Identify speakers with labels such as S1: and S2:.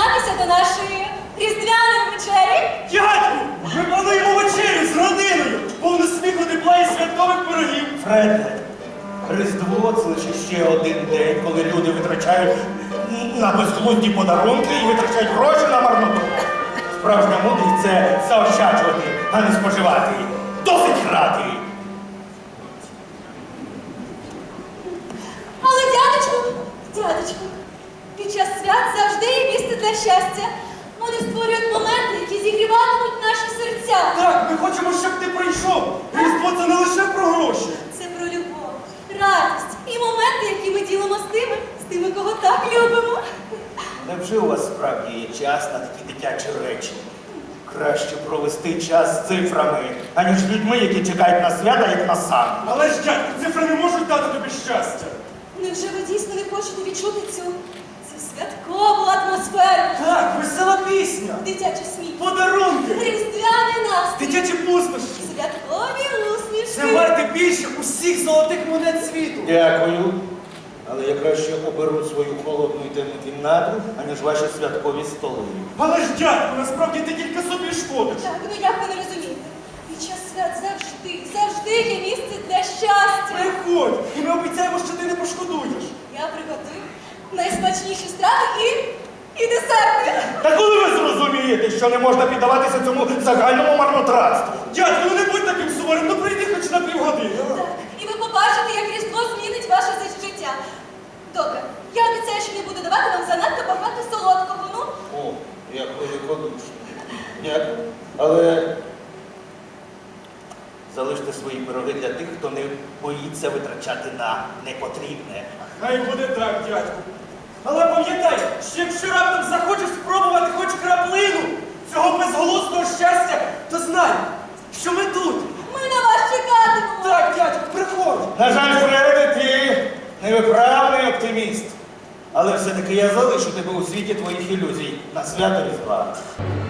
S1: приєднатися до нашої різдвяної вечері?
S2: Дядьку, ми плануємо вечерю з родиною, повну сміху, тепла і святкових пирогів.
S3: Фреде, Різдво – це лише ще один день, коли люди витрачають на безглузді подарунки і витрачають гроші на марноту. Справжня мудрість – це заощаджувати, а не споживати. Досить грати!
S1: Але, дядечку, під час свят завжди є місце для щастя. Вони створюють моменти, які зігріватимуть наші серця.
S2: Так, ми хочемо, щоб ти прийшов. Різдво – це не лише про гроші.
S1: Це про любов, радість і моменти, які ми ділимо з тими, кого так любимо.
S3: Невже у вас справді є час на такі дитячі речі? Краще провести час з цифрами, аніж з людьми, які чекають на свята, як на сан.
S2: Але ж, дядьку, цифри не можуть дати тобі щастя.
S1: Невже ви дійсно не хочете відчути цю святкову атмосферу?
S2: Так, весела пісня,
S1: Дитячий сміх,
S2: подарунки,
S1: різдвяний настрій,
S2: дитячі пустощі.
S1: святкові усмішки.
S2: Це варте більше усіх золотих монет світу.
S3: Дякую. Але я краще оберу свою холодну і темну кімнату, аніж ваші святкові столи.
S2: Але ж, дядьку, насправді ти тільки собі шкодиш.
S1: Так, ну як ви не розумієте? Під час свят завжди є місце для щастя.
S2: Приходь, і ми обіцяємо, що ти не пошкодуєш.
S1: Я приготую найсмачніші страви і десерти.
S3: Та коли ви зрозумієте, що не можна піддаватися цьому загальному марнотратству?
S2: Дядьку, ну не будь таким суворим, ну прийди хоч на півгодини.
S1: Так, і ви побачите, як Різдво змінить ваше життя. Добре, я обіцяю, що не буду давати вам занадто багато солодкого, ну?
S3: О, як великодушно. Дякую. Але залиште свої пироги для тих, хто не боїться витрачати на непотрібне.
S2: Хай буде так, дядьку. Але пам'ятай, що якщо раптом захочеш спробувати хоч краплину цього безголосного щастя, то знай, що ми тут.
S1: Ми на вас чекатимемо.
S2: Так, дядьку, приходь.
S3: На жаль, Фреде, ти невиправний оптиміст. Але все-таки я залишу тебе у світі твоїх ілюзій на свято Різдва.